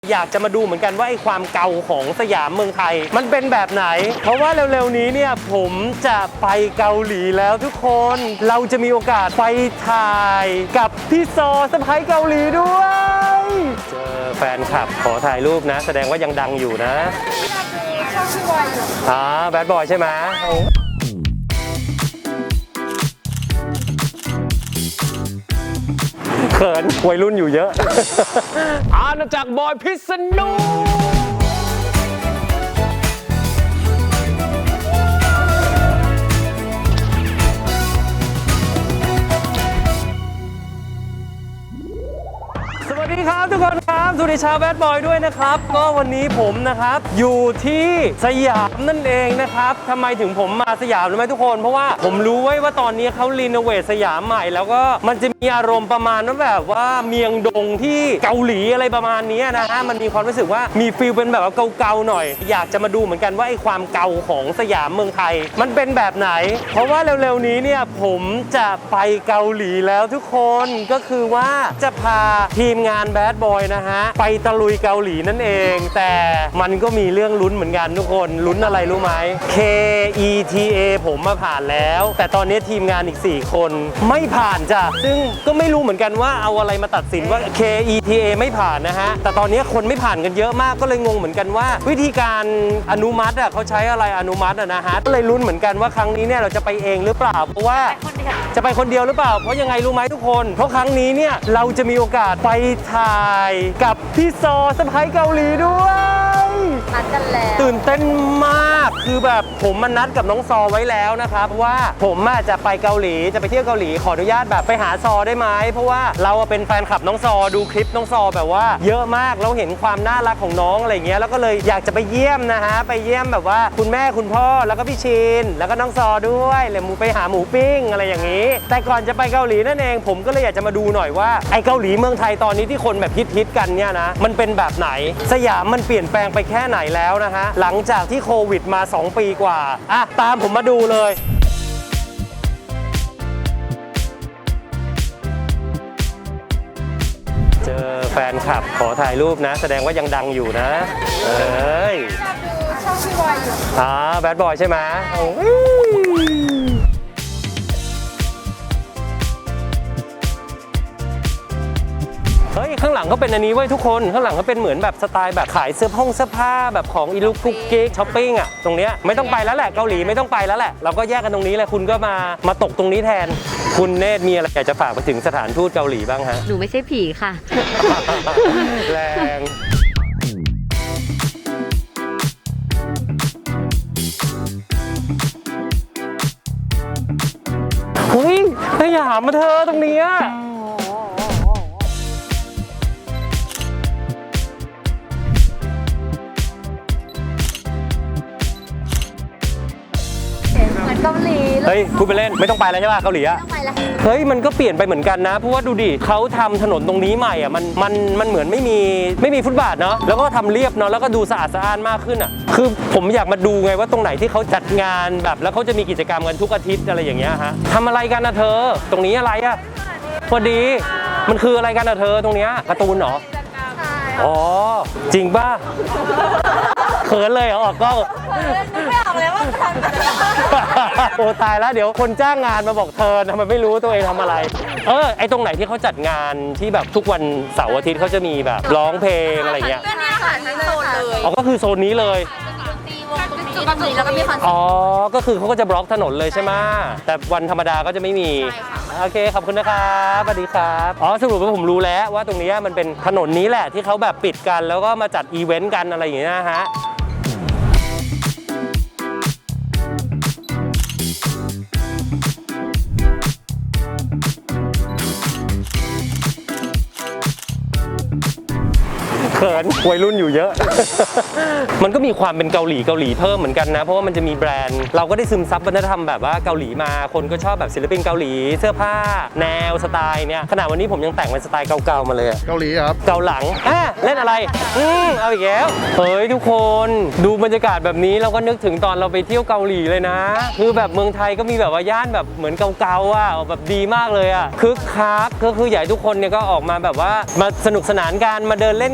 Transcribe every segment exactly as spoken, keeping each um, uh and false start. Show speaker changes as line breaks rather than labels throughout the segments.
อยากจะมาดูเหมือนกันว่าไอ้ความเก่าของสยามเมืองไทยมันเป็นแบบไหนเพราะว่าเร็วๆนี้เนี่ยผมจะไปเกาหลีแล้วทุกคนเราจะมีโอกาสไปถ่ายกับพี่ซอสะพ้ายเกาหลีด้วยเจอแฟนคลับขอถ่ายรูปนะแสดงว่ายังดังอยู่นะ
ช่องพี่บอยอยู่
อ่าแบดบอยใช่ไหมเขินวัยรุ่นอยู่เยอะ อาณาจักรบอยพิษณุสวัสดีครับทุกคนครับสวัสดีชาวแบดบอยด้วยนะครับก็วันนี้ผมนะครับอยู่ที่สยามนั่นเองนะครับทำไมถึงผมมาสยามรู้ไหมทุกคนเพราะว่าผมรู้ไว้ว่าตอนนี้เขารีโนเวทสยามใหม่แล้วก็มันจะมีอารมณ์ประมาณว่าแบบว่าเมียงดงที่เกาหลีอะไรประมาณนี้นะฮะมันมีความรู้สึกว่ามีฟีลเป็นแบบว่าเก่าๆหน่อยอยากจะมาดูเหมือนกันว่าไอ้ความเก่าของสยามเมืองไทยมันเป็นแบบไหนเพราะว่าเร็วๆนี้เนี่ยผมจะไปเกาหลีแล้วทุกคนก็คือว่าจะพาทีมงานแบดบอยนะฮะไปตะลุยเกาหลีนั่นเองแต่มันก็มีเรื่องลุ้นเหมือนกันทุกคนลุ้นอะไรรู้ไหม เค อี ที เอ ผมมาผ่านแล้วแต่ตอนนี้ทีมงานอีกสี่คนไม่ผ่านจ้ะซึ่งก็ไม่รู้เหมือนกันว่าเอาอะไรมาตัดสินว่า เค อี ที เอ ไม่ผ่านนะฮะแต่ตอนนี้คนไม่ผ่านกันเยอะมากก็เลยงงเหมือนกันว่าวิธีการอนุมัติอ่ะเขาใช้อะไรอนุมัติอ่ะนะฮะก็เลยลุ้นเหมือนกันว่าครั้งนี้เนี่ยเราจะไปเองหรือเปล่าเพราะว่าจะไปคนเดียวหรือเปล่าเพราะยังไงรู้ไหมทุกคนเพราะครั้งนี้เนี่ยเราจะมีโอกาสไปถ่ายกับพี่ซอสะพ้ายเกาหลีด้วย
นัดกันแล้ว
ตื่นเต้นมากคือแบบผมมานัดกับน้องซอไว้แล้วนะครับว่าผมจะไปเกาหลีจะไปเที่ยวเกาหลีขออนุญาตแบบไปหาซอได้ไหมเพราะว่าเราเป็นแฟนคลับน้องซอดูคลิปน้องซอแบบว่าเยอะมากเราเห็นความน่ารักของน้องอะไรเงี้ยแล้วก็เลยอยากจะไปเยี่ยมนะฮะไปเยี่ยมแบบว่าคุณแม่คุณพ่อแล้วก็พี่ชินแล้วก็น้องซอด้วยเลยมูไปหาหมูปิ้งอะไรอย่างนี้แต่ก่อนจะไปเกาหลีนั่นเองผมก็เลยอยากจะมาดูหน่อยว่าไอ้เกาหลีเมืองไทยตอนนี้ที่คนแบบฮิตๆกันเนี่ยนะมันเป็นแบบไหนสยามมันเปลี่ยนแปลงไปแค่ไหนแล้วนะฮะหลังจากที่โควิดมาสองปีกว่าอ่ะตามผมมาดูเลยเจอแฟนคลับขอถ่ายรูปนะแสดงว่ายังดังอยู่นะเอ้ย
ช่องพี่บอยอยู่
อ่าแบดบอยใช่ไหมเฮ้ยข้างหลังก็เป็นอันนี้ไว้ทุกคนข้างหลังก็เป็นเหมือนแบบสไตล์แบบขายเสื้อผ้าเสื้อผ้าแบบของอีลูกกุ๊กกิ๊กช้อปปิ้งอ่ะตรงเนี้ยไม่ต้องไปแล้วแหละเกาหลีไม่ต้องไปแล้วแหละเราก็แยกกันตรงนี้แหละคุณก็มามาตกตรงนี้แทนคุณเนตรมีอะไรอยากจะฝากไปถึงสถานทูตเกาหลีบ้างฮะ
หนูไม่ใช่ผีค่ะ
แรงเฮ้ยสยามมาเธอตรงนี้
เกาหลี
เฮ้ยพูดไปเล่นไม่ต้องไปแล้วใช่ป่ะเกาหลีอะ
ต้องไปแล้ว
เฮ้ยมันก็เปลี่ยนไปเหมือนกันนะเพราะว่าดูดิเขาทำถนนตรงนี้ใหม่อ่ะมันมันมันเหมือนไม่มีไม่มีฟุตบาทเนาะแล้วก็ทำเรียบเนาะแล้วก็ดูสะอาดสะอ้านมากขึ้นอ่ะคือผมอยากมาดูไงว่าตรงไหนที่เขาจัดงานแบบแล้วเขาจะมีกิจกรรมกันทุกอาทิตย์อะไรอย่างเงี้ยฮะทำอะไรกันนะเธอตรงนี้อะไรอ่ะพอดีมันคืออะไรกันนะเธอตรงเนี้ยการ์ตูนเหรออ๋อจริงป่ะเขินเลยเหรอออกกล้อง
ไม่ออกเลยว่าทำ
โอ้ตายแล้วเดี๋ยวคนจ้างงานมาบอกเธอทำไมไม่รู้ตัวเองทำอะไรเออไอตรงไหนที่เขาจัดงานที่แบบทุกวันเสาร์อาทิตย์เขาจะมีแบบร้องเพลงอะไรเงี้ย
ก็เนี่ยค่ะทั้งโซนเลย
อ๋อก็คือโซนนี้เลย
จุดดนตรีแล้วก็มีคอนเสิร์ต
อ๋อก็คือเขาก็จะบล็อกถนนเลยใช่ไหมแต่วันธรรมดาก็จะไม่มีโอเคขอบคุณนะครับสวัสดีครับอ๋อสรุปว่าผมรู้แล้วว่าตรงนี้มันเป็นถนนนี้แหละที่เขาแบบปิดกันแล้วก็มาจัดอีเวนต์กันอะไรอย่างเงี้ยนะฮะเขินวัยรุ่นอยู่เยอะ มันก็มีความเป็นเกาหลีเกาหลีเพิ่มเหมือนกันนะเพราะว่ามันจะมีแบรนด์เราก็ได้ซึมซับวัฒนธรรมแบบว่าเกาหลีมาคนก็ชอบแบบศิลปินเกาหลีเสื้อผ้าแนวสไตล์เนี่ยขณะวันนี้ผมยังแต่งเป็นสไตล์เก่าๆมาเลย
เกาหลีครับ
เกาหลังอ่ะเล่นอะไรอืมเอาอีกแล้วเฮ้ยทุกคนดูบรรยากาศแบบนี้เราก็นึกถึงตอนเราไปเที่ยวเกาหลีเลยนะคือแบบเมืองไทยก็มีแบบว่าย่านแบบเหมือนเก่าๆอ่ะแบบดีมากเลยอ่ะคึกคักก็คือใหญ่ทุกคนเนี่ยก็ออกมาแบบว่ามาสนุกสนานกันมาเดินเล่นกันแต่ที่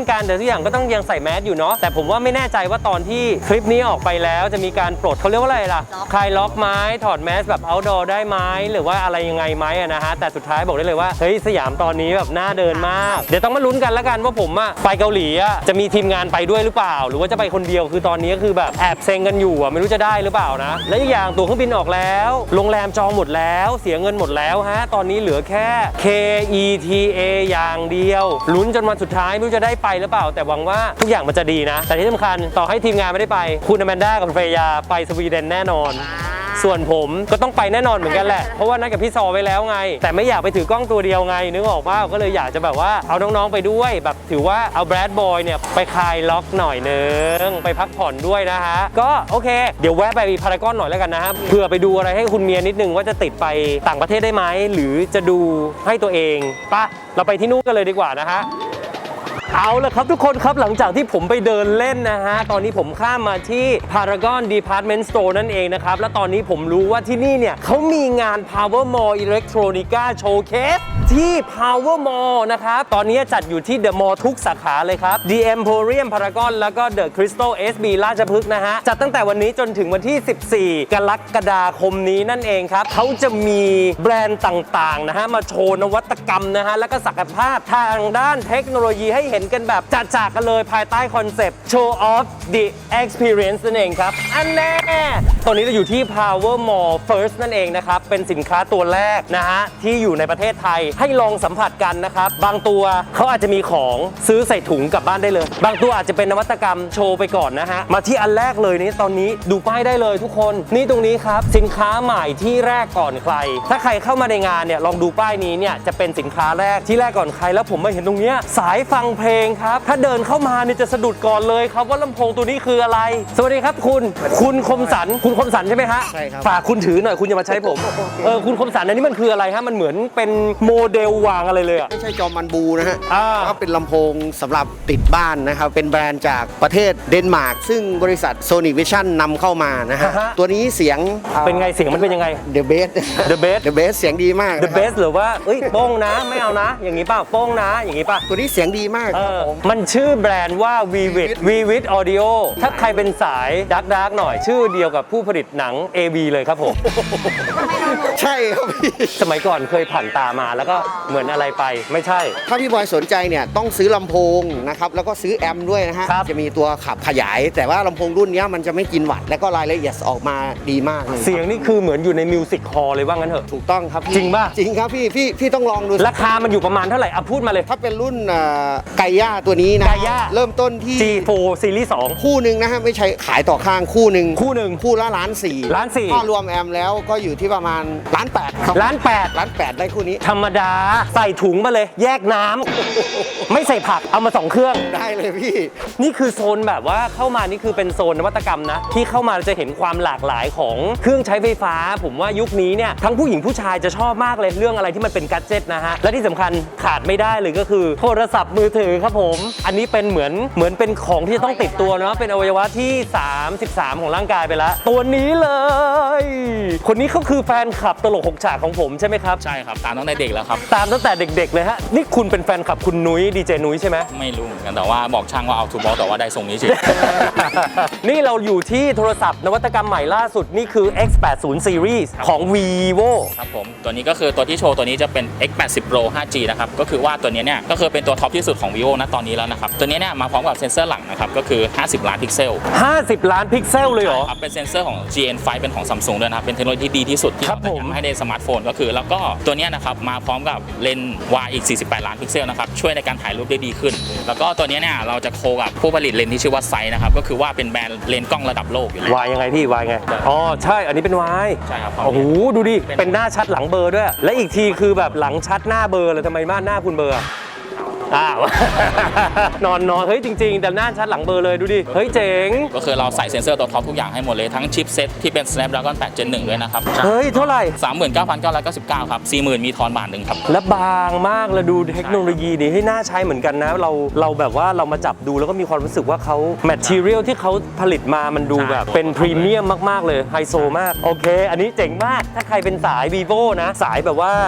อย่างก็ต้องยังใส่แมสอยู่เนาะแต่ผมว่าไม่แน่ใจว่าตอนที่คลิปนี้ออกไปแล้วจะมีการปลดเขาเรียกว่าอะไรล่ะคลายล็อกไม้ถอดแมสแบบ outdoor ได้ไหมหรือว่าอะไรยังไงไหมอะนะฮะแต่สุดท้ายบอกได้เลยว่าเฮ้ยสยามตอนนี้แบบน่าเดินมากเดี๋ยวต้องมาลุ้นกันแล้วกันว่าผมอะไปเกาหลีอะจะมีทีมงานไปด้วยหรือเปล่าหรือว่าจะไปคนเดียวคือตอนนี้คือแบบแอบเซ็งกันอยู่อะไม่รู้จะได้หรือเปล่านะและอีกอย่างตั๋วเครื่องบินออกแล้วโรงแรมจองหมดแล้วเสียเงินหมดแล้วฮะตอนนี้เหลือแค่ เค อี ที เอ อย่างเดียวลุ้นจนวันสุดท้ายไม่รู้จะได้ไปหรือเปล่าแต่หวังว่าทุกอย่างมันจะดีนะแต่ที่สำคัญต่อให้ทีมงานไม่ได้ไปคุณอแมนด้ากับเฟรยาไปสวีเดนแน่นอนส่วนผมก็ต้องไปแน่นอนเหมือนกันแหละเพราะว่านัดกับพี่ซอไว้แล้วไงแต่ไม่อยากไปถือกล้องตัวเดียวไงนึกออกว่าก็เลยอยากจะแบบว่าเอาน้องๆไปด้วยแบบถือว่าเอาแบรดบอยเนี่ยไปคลายล็อกหน่อยนึงไปพักผ่อนด้วยนะฮะก็โอเคเดี๋ยวแวะไปพารากอนหน่อยแล้วกันนะฮะเพื่อไปดูอะไรให้คุณเมียนิดนึงว่าจะติดไปต่างประเทศได้ไหมหรือจะดูให้ตัวเองป่ะเราไปที่นู่นกันเลยดีกว่านะฮะเอาละครับทุกคนครับหลังจากที่ผมไปเดินเล่นนะฮะตอนนี้ผมข้ามมาที่ Paragon Department Store นั่นเองนะครับและตอนนี้ผมรู้ว่าที่นี่เนี่ยเขามีงาน Power Mall Electronica Showcase ที่ Power Mall นะครับตอนนี้จัดอยู่ที่ The Mall ทุกสาขาเลยครับ The Emporium Paragon แล้วก็ The Crystal เอส บี ราชพฤกษ์นะฮะจัดตั้งแต่วันนี้จนถึงวันที่ สิบสี่ กรกฎาคมนี้นั่นเองครับเขาจะมีแบรนด์ต่างๆนะฮะมาโชว์นวัตกรรมนะฮะแล้วก็ศักยภาพทางด้านเทคโนโลยีให้เห็นกันแบบจัดจากกันเลยภายใต้คอนเซปต์ Show off the experience นั่นเองครับอันแน่ตอนนี้เราอยู่ที่ Power Mall First นั่นเองนะครับเป็นสินค้าตัวแรกนะฮะที่อยู่ในประเทศไทยให้ลองสัมผัสกันนะครับบางตัวเขาอาจจะมีของซื้อใส่ถุงกลับบ้านได้เลยบางตัวอาจจะเป็นนวัตกรรมโชว์ไปก่อนนะฮะมาที่อันแรกเลยนี่ตอนนี้ดูป้ายได้เลยทุกคนนี่ตรงนี้ครับสินค้าใหม่ที่แรกก่อนใครถ้าใครเข้ามาในงานเนี่ยลองดูป้ายนี้เนี่ยจะเป็นสินค้าแรกที่แรกก่อนใครแล้วผมมาเห็นตรงเนี้ยสายฟังเพลงครับถ้าเดินเข้ามาเนี่ยจะสะดุดก่อนเลยครับว่าลำโพงตัวนี้คืออะไรสวัสดีครับคุณคุณคมสันคุณคมสันใช่ไหมฮะ
ใช่ครับ
ฝากคุณถือหน่อยคุณอย่ามาใช้ผมเออคุณคมสันอันนี้มันคืออะไรฮะมันเหมือนเป็นโมเดลวางอะไรเลยอะ
ไม่ใช่จอมันบูนะฮะ
อ่า
ก็เป็นลำโพงสำหรับติดบ้านนะครับ เป็นแบรนด์จากประเทศเดนมาร์กซึ่งบริษัท Sony Vision นำเข้ามานะฮะ ตัวนี้เสียง
เป็นไงเสียงมันเป็นยังไง
The Best
The Best
The Best เสียงดีมาก
The best หรือว่าเอ้ยโป้งนะไม่เอานะ อย่างนี้ป่ะโป้งนะอย่างนี้ป่ะ
ตัวนี้เสียงดีมาก
เอ
ครับ
อ
ผม
มันชื่อแบรนด์ว่า Vivid Vivid Audio ถ้าใครเป็นสายดักดักหน่อยชื่อเดียวกับผู้ผลิตหนัง เอ วี เลยครับผม
ใช่ครับพี่
สมัยก่อนเคยผ่านตามาแล้วก็เหมือนอะไรไปไม่ใช่
ถ้าพี่บอยสนใจเนี่ยต้องซื้อลำโพงนะครับแล้วก็ซื้อแอมป์ด้วยนะฮะ
ครับ
จะมีตัวขับขยาย แต่ว่าลำโพงรุ่นเนี้ยมันจะไม่กินวัตต์และก็รายละเอียดออกมาดีมากเลย
เสียงนี่คือเหมือนอยู่ในมิวสิกฮอลเลยว่างั้นเถอะ
ถูกต้องครับพี่
จริงป่ะ
จริงครับพี่พี่พี่ต้องลองดู
ราคามันอยู่ประมาณเท่าไหร่อ่ะพูดมาเลย
ถ้าเป็นรุ่นเอ่อไกย่าตัวนี้นะ
ไกย่า
เริ่มต้นที่
จี โฟร์ ซีรีส์สอง
คู่หนึ่งนะฮะไม่ใช่ขายต่อข้างคู่หนึ่ง
คู่หนึ่ง
คู่ละล้านสี่
ล้านสี่
ถ้ารวมแอมแล้วก็อยู่ที่ประมาณล้านแปดครับ
ล้านแปด
ล้านแปดได้คู่นี้
ธรรมดาใส่ถุงมาเลย แยกน้ำ ไม่ใส่ผักเอามาสองเครื่อง
ได้เลยพี่
นี่คือโซนแบบว่าเข้ามานี่คือเป็นโซนนวัตกรรมนะ ที่เข้ามาจะเห็นความหลากหลายของเครื่องใช้ไฟฟ้า ผมว่ายุคนี้เนี่ยทั้งผู้หญิงผู้ชายจะชอบมากเลยเรื่องอะไรที่มันเป็นกัดเจ็ตนะฮะและที่สำคัญขาดไม่ได้เลยก็คือโทรศัพท์มือถือครับผม อันนี้เป็นเหมือนเหมือนเป็นของที่จะต้องติดตัวเนาะเป็นอวัยวะที่สามสิบสามของร่างกายไปแล้วตัวนี้เลย คนนี้เขาคือแฟนคลับตลกหกฉากของผมใช่ไหมครับ
ใช่ครับตามตั้งแต่เด็กแล้วครับ
ตามตั้งแต่เด็กๆเลยฮะนี่คุณเป็นแฟนคลับคุณนุ้ยดีเจนุ้ยใช่ไหม
ไม่รู้เหมือนกันแต่ว่าบอกช่างว่าเอาทูบอลแต่ว่าได้ทรงนี้เฉย
นี่เราอยู่ที่โทรศัพท์นวัตกรรมใหม่ล่าสุดนี่คือ เอ็กซ์ แปดสิบ Series ของ vivo
ครับผมตัวนี้ก็คือตัวที่โชว์ตัวนี้จะเป็น เอ็กซ์ แปดสิบ Pro ไฟว์จี นะครับก็คือว่าตัวนี้เนี่ยก็คือเป็นตัวท็อปที่สุดของ vivo ณตอนนี้แล้วนะครับตัวนี้เนี่ยมาพร้อมกับเซ็นเซอร์หลังนะครับก็คือห้าสิบล้านพิกเซล
ห้าสิบ ล้านพิกเซลเลยเหรอ
ครับเป็นเซ็นเซอร์ของ จี เอ็น ไฟว์ เป็นของ Samsung ด้วยนะครับเป็นเทคโนโลยีที่ดีที่สุดที่
ครับ
เรา
ผม
ทำให้ในสมาร์ทโฟนก็คือแล้วก็ตัวเนี้ยนะครับมาพร้อมกับเลนส์วายอีกสี่สิบแปดล้านพิกเซลนะครับช่วยในการถ่ายรูปได้ดีขึ้น แล้วก็ตัวเนี้ยเนี่ยเราจะโคกับผู้ผลิตเลนส์ที่ชื่อว่าไซน์นะครับก็คือว่าเป็นแบรนด์เลนส์กล้องระดับโลกอยู่แล้ว
วายยังไงพี่วายไงอ๋อใช่อันนี้เป็นวาย
ใช่ครับ
โอ้โหดูดิเป็นหน้าชัดหลังเบลอร์ด้วย และอีกทีคือแบบหลังชัดหน้าเบลอร์เลยทำไมหน้าคุณเบลอร์อะอ้าว นอนนอนเฮ้ยจริงๆ แต่หน้าชัดหลังเบลอร์เลยดูดิเฮ้ยเจ๋ง
ก็คือเราใส่เซ็นเซอร์ตัวท็อปทุกอย่างให้หมดเลยทั้งชิปเซ็ตที่เป็น Snapdragon แปด Gen หนึ่งด้วยนะครับ
เฮ้ยเท่าไหร่
สามหมื่นเก้าพันเก้าร้อยเก้าสิบเก้า ครับ สี่หมื่น มีทอนบาทหนึ่งครับ
และบางมากแล้วดูเทคโนโลยีนี่ให้น่าใช้เหมือนกันนะ เราเราแบบว่าเรามาจับดูแล้วก็มีความรู้สึกว่าเขาแมทเทียลที่เขาผลิตมามันดูแบบเป็นพรีเมียมมากๆเลยไฮโซมากโอเค อันนี้เจ๋งมากถ้าใครเป็นสาย vivo นะ สายแบบว่า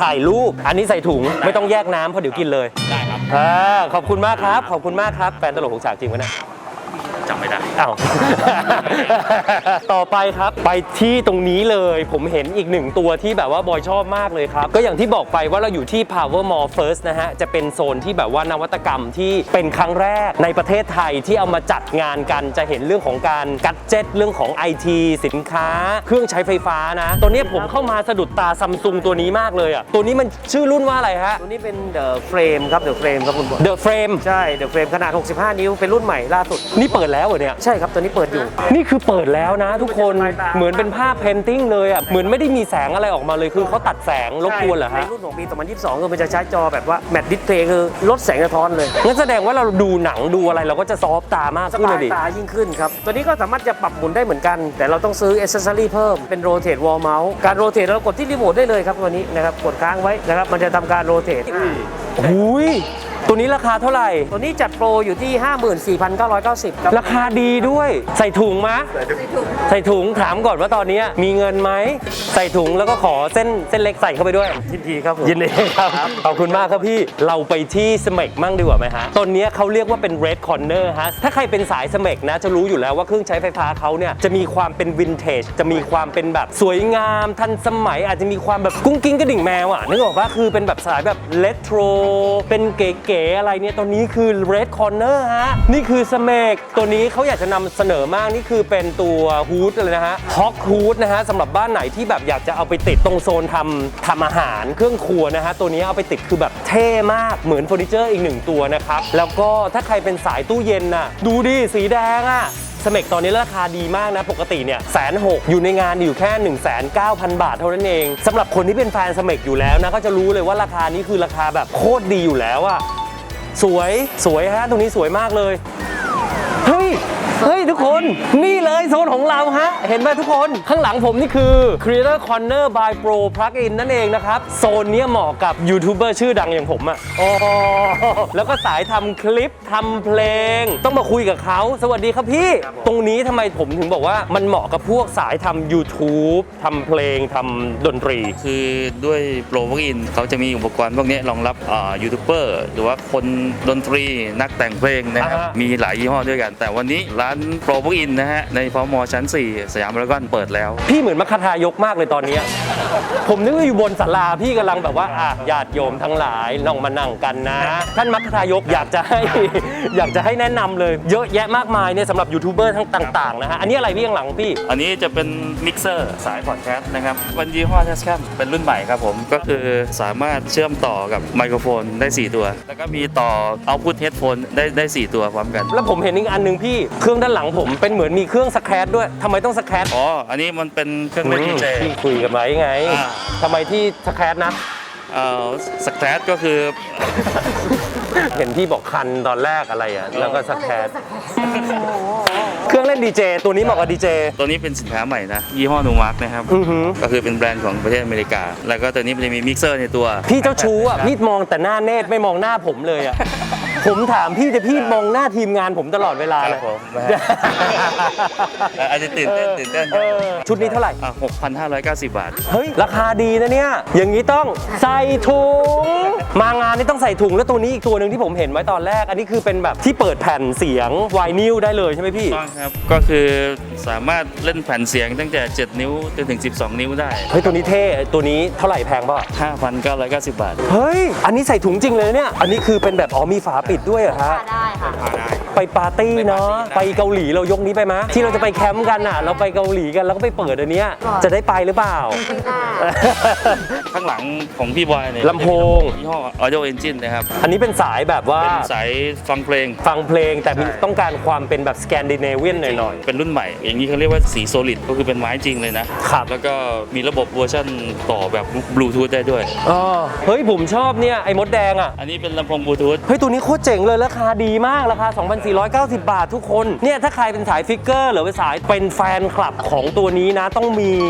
ถ่ายรูป อันนี้ใส่ถุงไม่ต้องแยกน้ำเพราะเดี๋ยวกินเลย
ได้ครับ
อ่าขอบคุณมากครับ ขอบคุณมากครับแฟนตลกของฉากจริงวะเนี่ย
จำไม่ได้
อ้าว ต่อไปครับไปที่ตรงนี้เลยผมเห็นอีกหนึ่งตัวที่แบบว่าบอยชอบมากเลยครับก็อย่างที่บอกไปว่าเราอยู่ที่ Power Mall First นะฮะจะเป็นโซนที่แบบว่านวัตกรรมที่เป็นครั้งแรกในประเทศไทยที่เอามาจัดงานกันจะเห็นเรื่องของการกัดเจ็ตเรื่องของ ไอ ที สินค้า เครื่องใช้ไฟฟ้านะตัวนี้ผมเข้ามาสะดุดตาซัมซุงตัวนี้มากเลยอ่ะตัวนี้มันชื่อรุ่นว่าอะไรฮะ
ตัวนี้เป็น The Frame ครับ The Frame ครับคุณบอล
The Frame
ใช่ The Frame ขนาด หกสิบห้า นิ้ว เป็นรุ่นใหม่ล่าสุด
นี่เปิดแล้วเหรอเนี่ย
ใช่ครับ ตัวนี้เปิดอยู่
นี่คือเปิดแล้วนะทุกคนเหมือนเป็นภาพเพนติ้งเลยอ่ะเหมือนไม่ได้มีแสงอะไรออกมาเลยคือเขาตัดแสงรบกวนเหรอ
ใน
ฮะ
รุ่นของปี สองพันยี่สิบสอง คือมันจะใช้จอแบบว่าแมตต์ดิสเพลย์คือลดแสงสะท้อนเลย
งั้นแสดงว่าเราดูหนังดูอะไรเราก็จะซอฟต์ตามาก
ส
ขึ้น
บา
เลย ยดิ
ตายิ่งขึ้นครับ ตัวนี้ก็สามารถจะปรับหมุนได้เหมือนกัน แต่เราต้องซื้อ accessory เพิ่ม เป็น rotate wall mouse การ rotate เรากดที่รีโมทได้เลยครับตัวนี้นะครับ กดค้างไว้นะครับ มันจะทำการ rotate
หุยตัวนี้ราคาเท่าไหร่
ตัวนี้จัดโปรอยู่ที่ ห้าหมื่นสี่พันเก้าร้อยเก้าสิบ ครับ
ราคาดีด้วย ใส่ถุงมะใส่ถุงถามก่อนว่าตอนนี้มีเงินไหมใส่ถุงแล้วก็ขอเส้นเส้นเล็กใส่เข้าไปด้วย
ยินดีครับผม
ยินดีครับขอบคุณมากครับพี่เราไปที่สเมกมั่งดีกว่าไหมฮะตอนนี้เขาเรียกว่าเป็น Red Corner ฮะถ้าใครเป็นสายสเมกนะจะรู้อยู่แล้วว่าเครื่องใช้ไฟฟ้าเขาเนี่ยจะมีความเป็นวินเทจจะมีความเป็นแบบสวยงามทันสมัยอาจจะมีความแบบกุ้งกิ้งกระดิ่งแมวอ่ะนึกออกปะคือเป็นแบบสายแบบเลโทรเป็นเก๋ๆอะไรเนี่ยตอนนี้คือ Red Corner ฮะนี่คือสเมกตัวนี้เขาอยากจะนำเสนอมากนี่คือเป็นตัวฮูดเลยนะฮะฮอกฮูดนะฮะสำหรับบ้านไหนที่แบบอยากจะเอาไปติดตรงโซนทำทำอาหารเครื่องครัวนะฮะตัวนี้เอาไปติดคือแบบเท่มากเหมือนเฟอร์นิเจอร์อีกหนึ่งตัวนะครับแล้วก็ถ้าใครเป็นสายตู้เย็นน่ะดูดิสีแดงอ่ะสเมกตอนนี้ราคาดีมากนะปกติเนี่ยแสนหกอยู่ในงานอยู่แค่ หนึ่งแสนเก้าพัน บาทเท่านั้นเองสำหรับคนที่เป็นแฟนสเมกอยู่แล้วนะก็จะรู้เลยว่าราคานี้คือราคาแบบโคตรดีอยู่แล้วอะสวยสวยฮะตรงนี้สวยมากเลยเฮ้ยเฮ้ยทุกคนนี่เลยโซนของเราฮะเห็นไหมทุกคนข้างหลังผมนี่คือ Creator Corner by Pro Plugin นั่นเองนะครับโซนนี้เหมาะกับยูทูบเบอร์ชื่อดังอย่างผมอะอ๋อแล้วก็สายทำคลิปทำเพลงต้องมาคุยกับเขาสวัสดีครับพี่ตรงนี้ทำไมผมถึงบอกว่ามันเหมาะกับพวกสายทำ YouTube ทำเพลงทำดนตรี
คือด้วยโปรพวกอินเขาจะมีอุปกรณ์พวกนี้รองรับยูทูบเบอร์หรือว่าคนดนตรีนักแต่งเพลงนะครับ
อ่าฮะ
มีหลายยี่ห้อด้วยกัน แต่วันนี้ร้านโปรพวกอินนะฮะในพมชั้น สี่ สยามพารากอนเปิดแล้ว
พี่เหมือนมัคคทายกมากเลยตอนนี้ ผมนึกว่าอยู่บนศาลาพี่กำลังแบบว่าอ่ะญาติโยมทั้งหลายลองมานั่งกันนะ ท่านมัคคทายกอยากจะให้ อยากจะให้แนะนำเลยเยอะแยะมากมายเนี่ยสำหรับยูทูบเบอร์ทั้งต่างๆนะฮะอันนี้อะไรพี่ข้างหลังพี่
อันนี้จะเป็นมิกเซอร์สายพอดแคสต์นะครับเป็นยี่ห้อ Tascam เป็นรุ่นใหม่ครับผมก็คือสามารถเชื่อมต่อกับไมโครโฟนได้สี่ตัว แล้วก็มีต่อ Output Headphone ได้ได้สี่ตัวพร้อมกัน
แล้วผมเห็นอีกอันหนึ่งพี่เครื่องด้านหลังผมเป็นเหมือนมีเครื่องสแครชด้วยทำไมต้องสแครช
อ๋อ อันนี้มันเป็นเครื่องเล่นดีเจ
พี่คุยกันไว้ไง
อ่า
ทำไมที่สแครชนะ
เอ่อสแครชก็คือ
เห็นพี่บอกคันตอนแรกอะไรอ่ะแล้วก็สแครชเครื่องเล่นดีเจตัวนี้เหมาะกับดีเจ
ตัวนี้เป็นสินค้าใหม่นะ ยี่ห้อนูมาร์กนะครับ
อือหือ
ก็คือเป็นแบรนด์ของประเทศอเมริกา แล้วก็ตัวนี้มันจะมีมิกเซอร์ในตัว
พี่เจ้าชู้อ่ะพี่มองแต่หน้าเนตรไม่มองหน้าผมเลยอ่ะ ผมถามพี่แต่พี่มองหน้าทีมงานผมตลอดเวลา
ค
เล
รั
ย
บผมนะฮะ อาจจะตื่นเต้นตื่นเต้น
เออชุดนี้เท่าไหร่
อ่ะหกพันห้าร้อยเก้าสิบบาท
เฮ้ย ราคาดีนะเนี่ย อย่างนี้ต้องใส่ถุง มางานนี่ต้องใส่ถุงแล้วตัวนี้อีกตัวหนึ่งที่ผมเห็นไว้ตอนแรก อันนี้คือเป็นแบบที่เปิดแผ่นเสียงไวนิลได้เลยใช่ไหมพี่
ต้องครับ ก็คือสามารถเล่นแผ่นเสียงตั้งแต่เจ็ดนิ้วจนถึงสิบสองนิ้วได้
เฮ้ยตัวนี้เท่ตัวนี้เท่าไหร่แพงป่ะ
ห้าพันเก้าร้อยเก้าสิบบาท
เฮ้ย อันนี้ใส่ถุงจริงเลยเนี่ย อันนี้คือเป็นแบบอ๋อมีฝาปิดด้วยเหรอฮะ
ได้ค่ะ
ไปปาร์ตี้เนาะไปเกาหลีเรายกนี้ไปไหมที่เราจะไปแคมป์กันอ่ะ เราไปเกาหลีกันแล้วก็ไปเปิดอันเนี้ยจะได้ไปหรือเปล่า
ข้างหลังของพี่บอยเนี่ย
ลำโพง
ยี่ห้อ Audio Engine นะครับ
อันนี้เป็นสายแบบว่า
เป็นสายฟังเพลง
ฟังเพลงแต่มีต้องการความเป็นแบบสแกนดิเนเวียนหน่อย
เป็นรุ่นใหม่ อย่างนี้เขาเรียกว่าสีโซลิดก็คือเป็นไม้จริงเลยนะครับ แล้วก็มีระบบเวอร์ชันต่อแบบบลูทูธได้ด้วย
ๆอ๋อเฮ้ยผมชอบเนี่ยไอ้มดแดงอ่ะ
อันนี้เป็นลำโพงบลูทูธ
เฮ้ยตัวนี้โคตรเจ๋งเลยราคาดีมากราคา สองพันสี่ร้อยเก้าสิบบาททุกคนเนี่ยถ้าใครเป็นสายฟิกเกอร์หรือเป็นสายเป็นแฟนคลับของตัวนี้นะต้องมี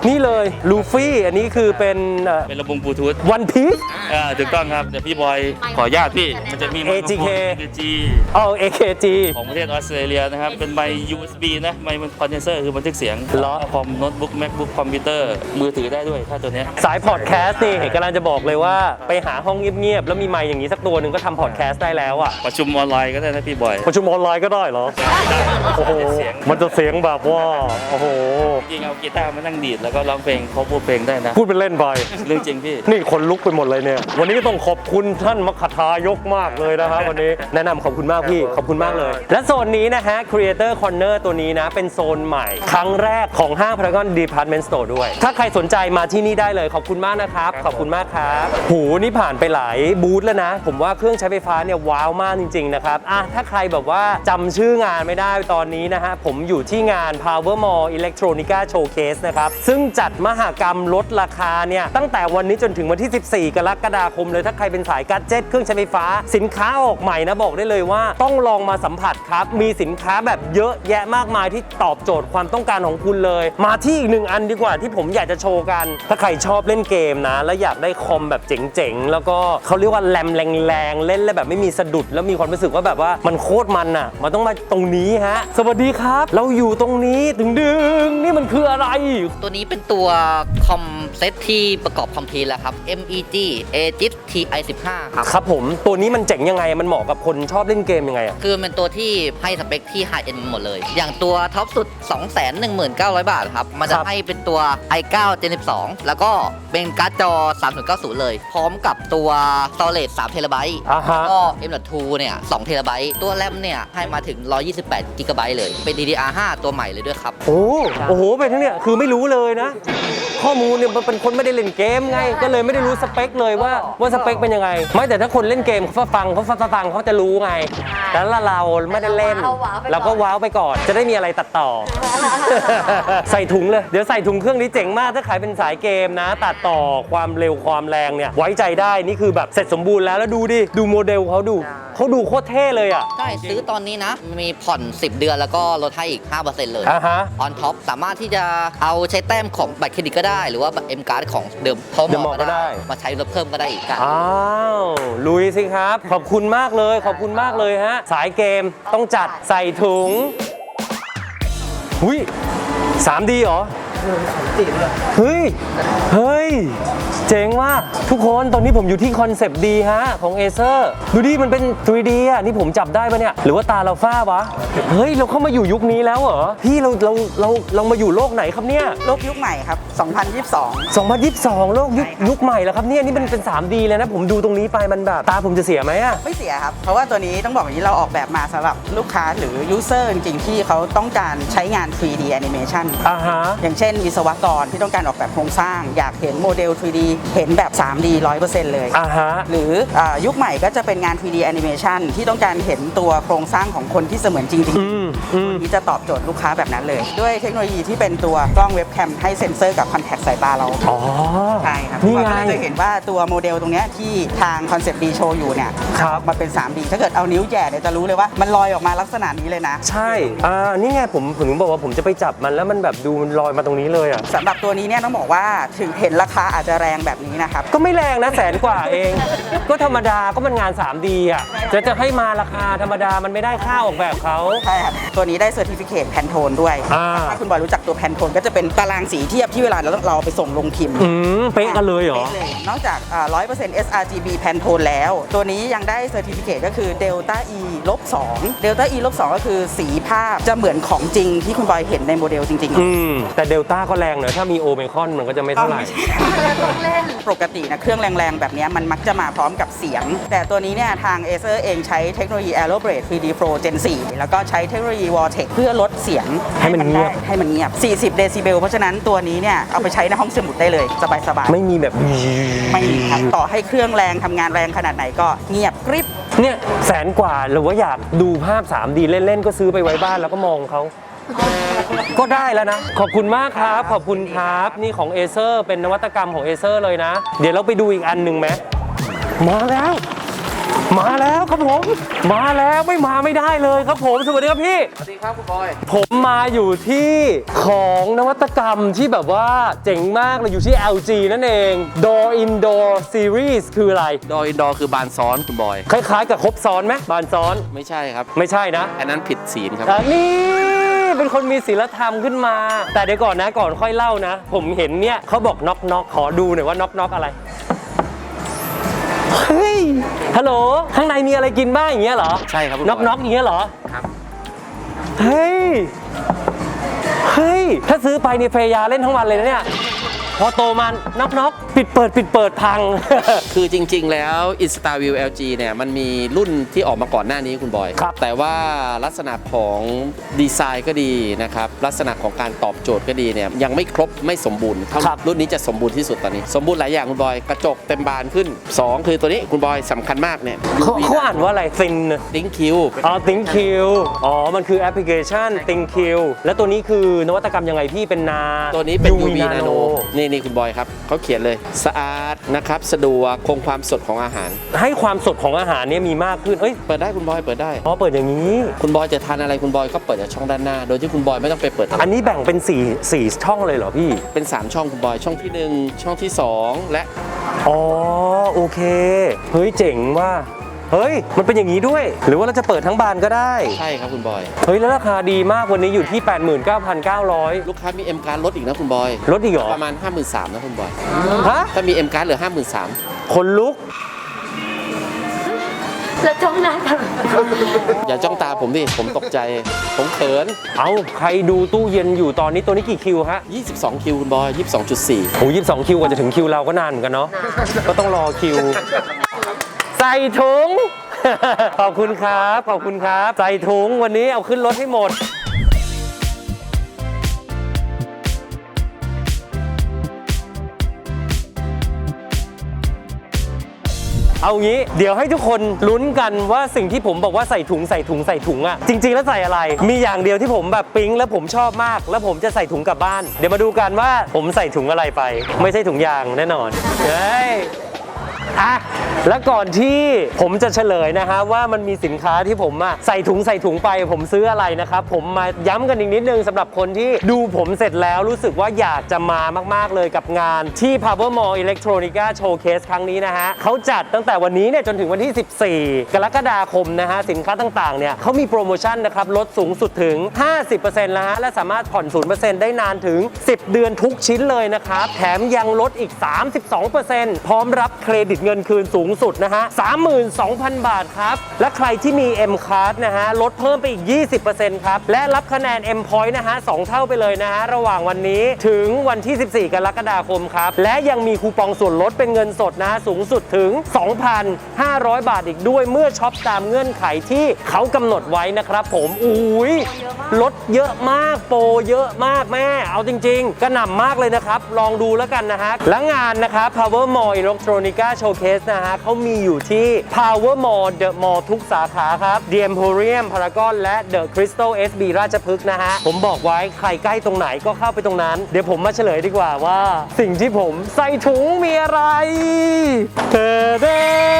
นี่เลยลูฟี่อันนี้คือเป็น
เป็นระบงบลูทูธ
วันพีซ
อ่าถูกต้องครับแต่พี่บอยขออนุญาตพี่มันจะมีไมโครโฟน
เอ จี เค
เอ จี
อ๋อ เอ เค จี
ของประเทศออสเตรเลียนะครับ เป็นไมค์ ยู เอส บี นะ ไมค์คอนเดนเซอร์คือบันทึกเสียง
เหรอ
คอมโน้ตบุ๊กแมคบุ๊กคอมพิวเตอร์มือถือได้ด้วย ถ้าตัวเนี้ย
สายพอดแคสต์นี่กำลังจะบอกเลยว่าไปหาห้องเงียบๆแล้วมีไมค์อย่างนี้สักตัวหนึ่งก็ทำพอดแคสต์ได้แล้วอ่ะ
ประชุมออนไลน์ก็ได้นะพี่บอย
ประชุมออนไลน์ก็ได้เหรอ โอ้โห มันจะเสียงแบบว่า โอ้โห
จริงๆเอากีตาร์มานั่งดีดแล้วก็ร้องเพลงเขาพูดเพลงได้นะ
พูดเป็นเล่นไป
เรื่องจริงพี่
นี่คนลุกไปหมดเลยเนี่ย วันนี้ต้องขอบคุณท่านมคทายกมากเลยนะครับวันนี้ แนะนำขอบคุณมากพี่ ขอบคุณมากเลย และโซนนี้นะฮะ Creator Corner ตัวนี้นะ เป็นโซนใหม่ ครั้งแรกของห้าง Paragon Department Store ด้วย ถ้าใครสนใจมาที่นี่ได้เลย ขอบคุณมากนะครับ ขอบคุณมากครับหูนี่ผ่านไปหลายบูธแล้วนะ ผมว่าเครื่องใช้ไฟฟ้าเนี่ยว้าวมากจริงๆนะครับอ่ะถ้าใครแบบว่าจำชื่องานไม่ได้ตอนนี้นะฮะ ผมอยู่ที่งาน Power Mall Electronica Showcase นะครับ ซึ่งจัดมหกรรมลดราคาเนี่ยตั้งแต่วันนี้จนถึงวันที่ สิบสี่ กรกฎาคมเลยถ้าใครเป็นสายกัดเจ็ตเครื่องใช้ไฟฟ้าสินค้าออกใหม่นะบอกได้เลยว่าต้องลองมาสัมผัสครับมีสินค้าแบบเยอะแยะมากมายที่ตอบโจทย์ความต้องการของคุณเลย มาที่อีกหนึ่งอันดีกว่าที่ผมอยากจะโชว์กัน ถ้าใครชอบเล่นเกมนะแล้วอยากได้คอมแบบเจ๋งๆแล้วก็เขาเรียกว่าแรมแรงๆเล่นแล้วแบบไม่มีสะดุดแล้วมีความรู้สึกว่าแบบว่ามันโคตรมันอ่ะมันต้องมาตรงนี้ฮะสวัสดีครับเราอยู่ตรงนี้ดึงดึงๆนี่มันคืออะไร
ตัวนี้เป็นตัวคอมเซ็ตที่ประกอบคอมพิวเตอร์แล้วครับ เอ็ม อี จี Aegis ที ไอ สิบห้า ครับ
ครับผมตัวนี้มันเจ๋งยังไงมันเหมาะกับคนชอบเล่นเกมยังไงอะ
คือเป็นตัวที่ให้สเปคที่ High End หมดเลย อย่างตัวท็อปสุด สองแสนหนึ่งหมื่นเก้าพัน บาทครับ มันจะให้เป็นตัว ไอ ไนน์ Gen สิบสอง แล้วก็เป็นการ์ดจอ สามศูนย์เก้าศูนย์ เลย พร้อมกับตัว Storage สามเทราไบต์
อ่าฮะ
ก็ เอ็ม ดอท ทู เนี่ย สองเทราไบต์ ตัวแรมเนี่ยให้มาถึงหนึ่งร้อยยี่สิบแปดกิกะไบต์เลย เป็น ดี ดี อาร์ ไฟว์ ตัวใหม่เลยด้วยครับ
โอ้โอ้โหไปทั้งเนี่ยคือไม่รู้เลยนะ ข้อมูลเนี่ยมันเป็นคนไม่ได้เล่นเกมไง ก็เลยไม่ได้รู้สเปคเลยว่าว่าสเปคเป็นยังไง ไม่แต่ถ้าคนเล่นเกมเขาฟังเขาฟังเขาจะรู้ไง แต่ละเราไม่ได้เล่น เราก็ว้าวไปก่อน จะได้มีอะไรตัดต่อ ใส่ถุงเลย เดี๋ยวใส่ถุงเครื่องนี้เจ๋งมากถ้าขายเป็นสายเกมนะ ตัดต่อความเร็วความแรงเนี่ยไว้ใจได้นี่คือแบบเสร็จสมบูรณ์แล้วแล้วดูดิดูโมเดลเขาดูเขาดูโคตรเท่เลยอ่ะ
ใช่ ซื้อตอนนี้นะ มีผ่อน สิบ เดือนแล้วก็ลดให้อีก ห้าเปอร์เซ็นต์ เลย
อ่าฮะ
ออนท็อปสามารถที่จะเอาใช้แต้มของบัตรเครดิตก็ได้ หรือว่าเอ็มการ์ดของเดิมพอ
เดิม
ม
หม
อ
อก็
ก็
ได้
ได้ มาใช้ลดเพิ่มก็ได้อีกกัน
อ้าวลุยสิครับ ขอบคุณมากเลย ขอบคุณมากเลยฮะ สายเกมต้องจัดใส่ถุงหุย สามดี เหรอเฮ้ย เฮ้ย เจ๋งว่ะทุกคนตอนนี้ผมอยู่ที่คอนเซปต์ดีฮะของ Acer ดูดิมันเป็น ทรี ดี อ่ะนี่ผมจับได้ปะเนี่ยหรือว่าตาเราฝ้าวะเฮ้ยเราเข้ามาอยู่ยุคนี้แล้วเหรอพี่เราเราเราเรามาอยู่โลกไหนครับเนี่ย
โลกยุคใหม่ครับ สองพันยี่สิบสอง
สองพันยี่สิบสองโลกยุคยุคใหม่แล้วครับเนี่ยนี่มันเป็น ทรี ดี เลยนะผมดูตรงนี้ไปมันแบบตาผมจะเสียไหมอะ
ไม่เสียครับ เพราะว่าตัวนี้ต้องบอกอย่างนี้เราออกแบบมาสำหรับลูกค้าหรือยูเซอร์จริงๆ ที่เขาต้องการใช้งาน ทรี ดี Animation
อ่าฮะ
อย่างเช่นวิศวกรที่ต้องการออกแบบโครงสร้าง อยากเห็นโมเดล ทรี ดี เห็นแบบ ทรี ดี ร้อยเปอร์เซ็นต์ เลย
อ่าฮะ
หรืออายุคใหม่ก็จะเป็นงาน ทรี ดี Animation ที่ต้องการเห็นตัวโครงสร้างของคนที่เสมือนจริง
อืมอืม
ๆที่จะตอบโจทย์ลูกค้าแบบนั้นเลย ด้วยเทคโนโลยีที่เป็นตัวกล้องเว็บแคมให้เซ็นเซอร์กับคอนแทคสายตาเรา
อ๋อ
ใช่ครับ
นี่ไง
เราก็เลยจะเห็นว่าตัวโมเดลตรงเนี้ยที่ทางคอนเซปต์ดีโชว์อยู่เนี่ย
ครับ
มาเป็น ทรี ดี ถ้าเกิดเอานิ้วแหย่เนี่ยจะรู้เลยว่ามันลอยออกมาลักษณะนี้เลยนะ
ใช่อ่านี่ไงผมผมถึงบอกว่าผมจะไปจับมันแล้วมันแบบดูมันลอยมาตรงนี้เลยอ่ะ
สำหรับตัวนี้เนี่ยต้องบอกว่าถึงเห็นราคาอาจจะแรงแบบนี้นะครับ
ก็ไม่แรงนะแสนกว่าเอง ก็ธรรมดาก็มันงาน ทรี ดี อ่ะจะจะให้มาราคาธรรมดามันไม่ได้ค่าออกแบบเขา
ใช่ครับ ตัวนี้ได้เซอร์ติฟิเคตแพนโทนด้วย
อ่า
ถ้าคุณบอยรู้จักตัวแพนโทนก็จะเป็นตารางสีเทียบที่เวลาเราเราเอาไปส่งลงพิมพ์
อืมเป๊ะกันเลยเหรอ
ป๊ะเลยนอกจากอ่า ร้อยเปอร์เซ็นต์ เอส อาร์ จี บี แพนโทนแล้ว ตัวนี้ยังได้เซอร์ติฟิเคตก็คือ Delta E ลบสอง Delta E ลบสองก็คือสีภาพจะเหมือนของจริงที่คุณบอยเห็นในโมเดลจริงๆ
อืมแต่เดลต้าก็แรงหน่อยถ้ามีโอเมคอนมันก็จะไม่เท่าไหร่
ปกตินะเครื่องแรงๆ แบบเนี้ยมันมักจะมาพร้อมกับเสียง แต่ตัวนี้เนี่ยทาง Acer เองใช้เทคโนโลยี Aeroblade ทรี ดี Pro Gen โฟร์ แล้วก็ใช้เทคโนโลยี Vortex เพื่อลดเสียง
ให้มันเงียบ
ได้ให้มันเงียบ สี่สิบ เดซิเบล เพราะฉะนั้นตัวนี้เนี่ยเอาไปใช้ในห้องสมุดได้เลย สบายๆ
ไม่มีแบบ
ไม่มีครับ ต่อให้เครื่องแรงทำงานแรงขนาดไหนก็เงียบกริบ
เนี่ยแสนกว่าหรือว่าอยากดูภาพ ทรี ดี เล่น ๆ ก็ซื้อไปไว้บ้านแล้วก็มองเขา ก็ได้แล้วนะ ขอบคุณมากครับ ขอบคุณครับ นี่ของ Acer เป็นนวัตกรรมของ Acer เลยนะ เดี๋ยวเราไปดูอีกอันหนึ่งไหมมาแล้วมาแล้วครับผม มาแล้วไม่มาไม่ได้เลยครับผม สวัสดีครับพี่
สวัสดีครับคุณบอย
ผมมาอยู่ที่ของนวัตกรรมที่แบบว่าเจ๋งมากเลยอยู่ที่ แอล จี นั่นเอง Door Indoor Series คืออะไร
ดอยอินดอร์คือบานซ้อนคุณบอย
คล้ายๆกับครบซ้อนไหมบานซ้อน
ไม่ใช่ครับ
ไม่ใช่นะ
อันนั้นผิดศีลครับ
อันนี้เป็นคนมีศีลธรรมขึ้นมา แต่เดี๋ยวก่อนนะก่อนค่อยเล่านะ ผมเห็นเนี่ยเขาบอกน็อกน็อกขอดูหน่อยว่าน็อกน็อกอะไร เฮ้ย ฮัลโหล ข้างในมีอะไรกินบ้างอย่างเงี้ยเหรอ
ใช่ครับคุณบอย
น็อกน็อกอย่างเงี้ยเหรอ
ครับ
เฮ้ย เฮ้ย ถ้าซื้อไปเนี่ยเฟยาเล่นทั้งวันเลยนะเนี่ย พอโตมาน็อกน็อกปิดเปิดปิดเปิดพัง
คือจริงๆ แล้ว InstaView แอล จี เนี่ยมันมีรุ่นที่ออกมาก่อนหน้านี้คุณบอย
ครับ
แต่ว่าลักษณะของดีไซน์ก็ดีนะครับ ลักษณะของการตอบโจทย์ก็ดีเนี่ยยังไม่ครบไม่สมบูรณ์เท่ารุ่นนี้จะสมบูรณ์ที่สุดตอนนี้ สมบูรณ์หลายอย่างคุณบอย กระจกเต็มบานขึ้น สอง คือตัวนี้คุณบอยสำคัญมากเนี่ย
เขาเขาอ่านว่าอะไรซิน
ลิงคิว
อ๋อ Think Q อ๋อ มันคือแอปพลิเคชัน Think Q แล้วตัวนี้คือนวัตกรรมยังไงพี่เป็นนา
ตัวนี้เป็น
ยู
ยู
วี
วี
Nano
Nano นี่นี่คุณบอยครับเขาเขียนเลยสะอาดนะครับสะดวกคงความสดของอาหาร
ให้ความสดของอาหารเนี่ยมีมากขึ้น เอ้ย
เปิดได้คุณบอยเปิดได้
อ๋อ เปิดอย่างนี้
คุณบอยจะทานอะไรคุณบอยก็เปิดจากช่องด้านหน้า โดยที่คุณบอยไม่ต้องไปเปิด
อันนี้แบ่งเป็นสี่ สี่ช่องเลยเหรอพี่
เป็น สาม ช่องคุณบอยช่องที่หนึ่งช่องที่สองและ
อ๋อ โอเค เฮ้ย เจ๋งว่า เฮ้ย มันเป็นอย่างนี้ด้วย หรือว่าเราจะเปิดทั้งบานก็ได้
ใช่ครับคุณบอย
เฮ้ย แล้วราคาดีมากวันนี้อยู่ที่ แปดหมื่นเก้าพันเก้าร้อย
ลูกค้ามี M การ์ดลดอีกนะคุณบอย
ลดอีกเหรอ
ประมาณ ห้าหมื่นสามพัน นะคุณบอย
ฮะ
ถ้ามี M การ์ดเหลือ ห้าหมื่นสามพัน
คนลุก
แล้วจ้องหน้ากัน
อย่าจ้องตาผมดิผมตกใจ ผมเขิน
เอาใครดูตู้เย็นอยู่ตอนนี้ตัวนี้กี่คิวฮะ
ยี่สิบสอง คิวคุณบอย ยี่สิบสองจุดสี่
โอ้ยี่สิบสองคิวกว่าจะถึงคิวเราก็นานเหมือนกันเนาะ ก็ต้องรอคิว ใส่ถุง ขอบคุณครับ ขอบคุณครับ ใส่ถุงวันนี้เอาขึ้นรถให้หมด เอางี้เดี๋ยวให้ทุกคนลุ้นกันว่าสิ่งที่ผมบอกว่าใส่ถุงใส่ถุงใส่ถุงอะจริง ๆ แล้วใส่อะไร มีอย่างเดียวที่ผมแบบปิ๊งแล้วผมชอบมาก แล้วผมจะใส่ถุงกลับบ้าน เดี๋ยวมาดูกันว่าผมใส่ถุงอะไรไป ไม่ใช่ถุงยางแน่นอนเฮ้ยอ่ะแล้วก่อนที่ผมจะเฉลยนะฮะว่ามันมีสินค้าที่ผมอะใส่ถุงใส่ถุงไปผมซื้ออะไรนะครับผมมาย้ำกันอีกนิดนึงสำหรับคนที่ดูผมเสร็จแล้วรู้สึกว่าอยากจะมามากๆเลยกับงานที่ Power Mall Electronica Showcase ครั้งนี้นะฮะเขาจัดตั้งแต่วันนี้เนี่ยจนถึงวันที่ สิบสี่ กรกฎาคมนะฮะสินค้าต่างๆเนี่ยเขามีโปรโมชั่นนะครับลดสูงสุดถึง ห้าสิบเปอร์เซ็นต์ แล้วฮะและสามารถผ่อน ศูนย์เปอร์เซ็นต์ ได้นานถึง สิบ เดือนทุกชิ้นเลยนะครับแถมยังลดอีก สามสิบสองเปอร์เซ็นต์ พร้อมรับเครดิตเงินคืนสูงสุดนะฮะ สามหมื่นสองพัน บาทครับและใครที่มี M Card นะฮะลดเพิ่มไปอีก ยี่สิบเปอร์เซ็นต์ ครับและรับคะแนน M Point นะฮะสองเท่าไปเลยนะฮะระหว่างวันนี้ถึงวันที่ สิบสี่ กรกฎาคมครับและยังมีคูปองส่วนลดเป็นเงินสดนะฮะสูงสุดถึง สองพันห้าร้อย บาทอีกด้วยเมื่อช็อปตามเงื่อนไขที่เขากำหนดไว้นะครับผมอุ้ยลดเยอะมากโปรเยอะมากแม่เอาจริงๆกระหน่ำมากเลยนะครับลองดูแล้วกันนะฮะและงานนะครับ Power Mall Electronica Showcase นะฮะเขามีอยู่ที่ Power Mall The Mall ทุกสาขาครับ The Emporium Paragon และ The Crystal เอส บี ราชพฤกษ์นะฮะผมบอกไว้ใครใกล้ตรงไหนก็เข้าไปตรงนั้นเดี๋ยวผมมาเฉลยดีกว่าว่า สิ่งที่ผมใส่ถุงมีอะไรเด้อเด้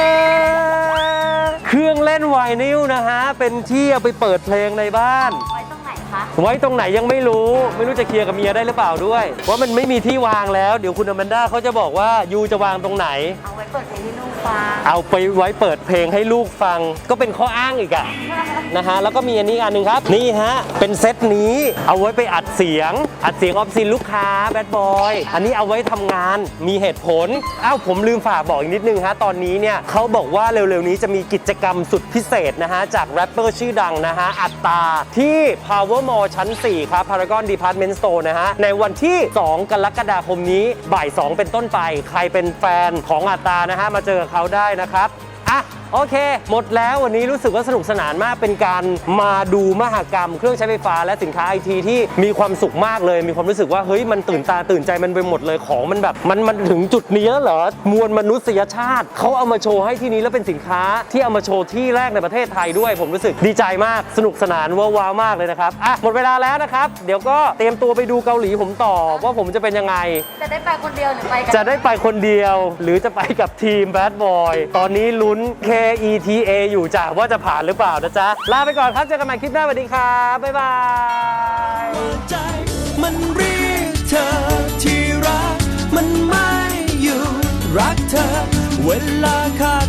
เครื่องเล่นไวนิลนะฮะเป็นที่เอาไปเปิดเพลงในบ้าน
ไว้ตรงไหนคะ
ไว้ตรงไหนยังไม่รู้ไม่รู้จะเคลียร์กับเมียได้หรือเปล่าด้วยว่ามันไม่มีที่วางแล้วเดี๋ยวคุณอแมนด้าเขาจะบอกว่ายูจะวางตรงไหน
เอาไว้เปิดเพลงให้ลูกฟัง
เอาไปไว้เปิดเพลงให้ลูกฟังก็เป็นข้ออ้างอีกอะนะฮะแล้วก็มีอันนี้อันหนึ่งครับนี่ฮะเป็นเซตนี้เอาไว้ไปอัดเสียงอัดเสียงออฟซินลูกค้าแบดบอยอันนี้เอาไว้ทำงานมีเหตุผลอ้าวผมลืมฝากบอกอีกนิดนึงฮะตอนนี้เนี่ยเขาบอกว่าเร็วๆนี้จะมีกิจกรรมสุดพิเศษนะฮะจากแรปเปอร์ชื่อดังนะฮะอัตตาที่ Power Mall ชั้น สี่ครับ Paragon Department Store นะฮะในวันที่ สอง กรกฎาคมนี้บ่าย สอง เป็นต้นไปใครเป็นแฟนของอัตตานะฮะมาเจอเขาได้นะครับอ่ะโอเคหมดแล้ววันนี้รู้สึกว่าสนุกสนานมากเป็นการมาดูมหกรรมเครื่องใช้ไฟฟ้าและสินค้าไอทีที่มีความสุขมากเลยมีความรู้สึกว่าเฮ้ยมันตื่นตาตื่นใจมันไปหมดเลยของมันแบบมันมันถึงจุดนี้แล้วเหรอมวลมนุษยชาติเขาเอามาโชว์ให้ที่นี้แล้วเป็นสินค้าที่เอามาโชว์ที่แรกในประเทศไทยด้วยผมรู้สึกดีใจมากสนุกสนานว้าวๆมากเลยนะครับอ่ะหมดเวลาแล้วนะครับเดี๋ยวก็เตรียมตัวไปดูเกาหลีผมต่อว่าผมจะเป็นยังไง
จะได้ไปคนเดียวหรือไปกั
จะได้ไปคนเดียวหรือจะไปกับทีมแบดบอยตอนนี้ลุ้นเคอี ที เอ อยู่จ้ะว่าจะผ่านหรือเปล่านะจ๊ะลาไปก่อนครับเจอกันใหม่คลิปหน้าสวัสดีครับบ๊ายบาย
ใจมันเรียกเธอที่รักมันไม่อยู่รักเธอเวลาขาด